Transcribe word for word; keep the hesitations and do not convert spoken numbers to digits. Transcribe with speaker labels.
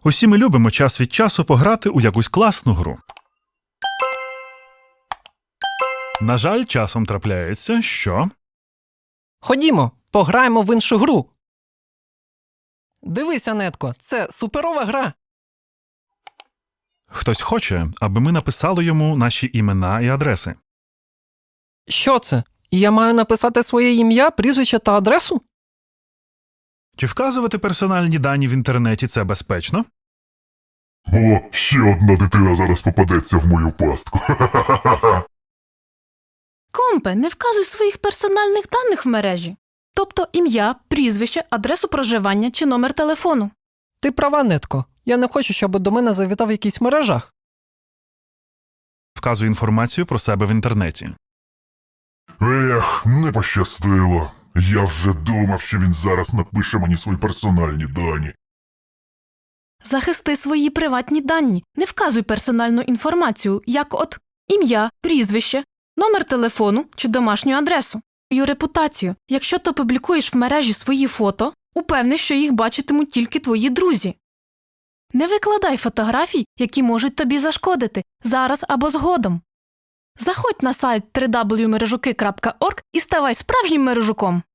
Speaker 1: Усі ми любимо час від часу пограти у якусь класну гру. На жаль, часом трапляється, що...
Speaker 2: Ходімо, пограємо в іншу гру. Дивися, Нетко, це суперова гра.
Speaker 1: Хтось хоче, аби ми написали йому наші імена і адреси.
Speaker 2: Що це? Я маю написати своє ім'я, прізвище та адресу?
Speaker 1: Чи вказувати персональні дані в інтернеті – це безпечно?
Speaker 3: О, ще одна дитина зараз попадеться в мою пастку.
Speaker 4: Компе, не вказуй своїх персональних даних в мережі. Тобто ім'я, прізвище, адресу проживання чи номер телефону.
Speaker 2: Ти права, Нетко. Я не хочу, щоб до мене завітав якийсь мережах.
Speaker 1: Вказуй інформацію про себе в інтернеті.
Speaker 3: Ех, не пощастило. Я вже думав, що він зараз напише мені свої персональні дані.
Speaker 4: Захисти свої приватні дані. Не вказуй персональну інформацію, як от ім'я, прізвище, номер телефону чи домашню адресу. Твою репутацію. Якщо ти публікуєш в мережі свої фото, упевнись, що їх бачитимуть тільки твої друзі. Не викладай фотографій, які можуть тобі зашкодити, зараз або згодом. Заходь на сайт дабл ю дабл ю дабл ю крапка мережуки крапка орг і ставай справжнім мережуком.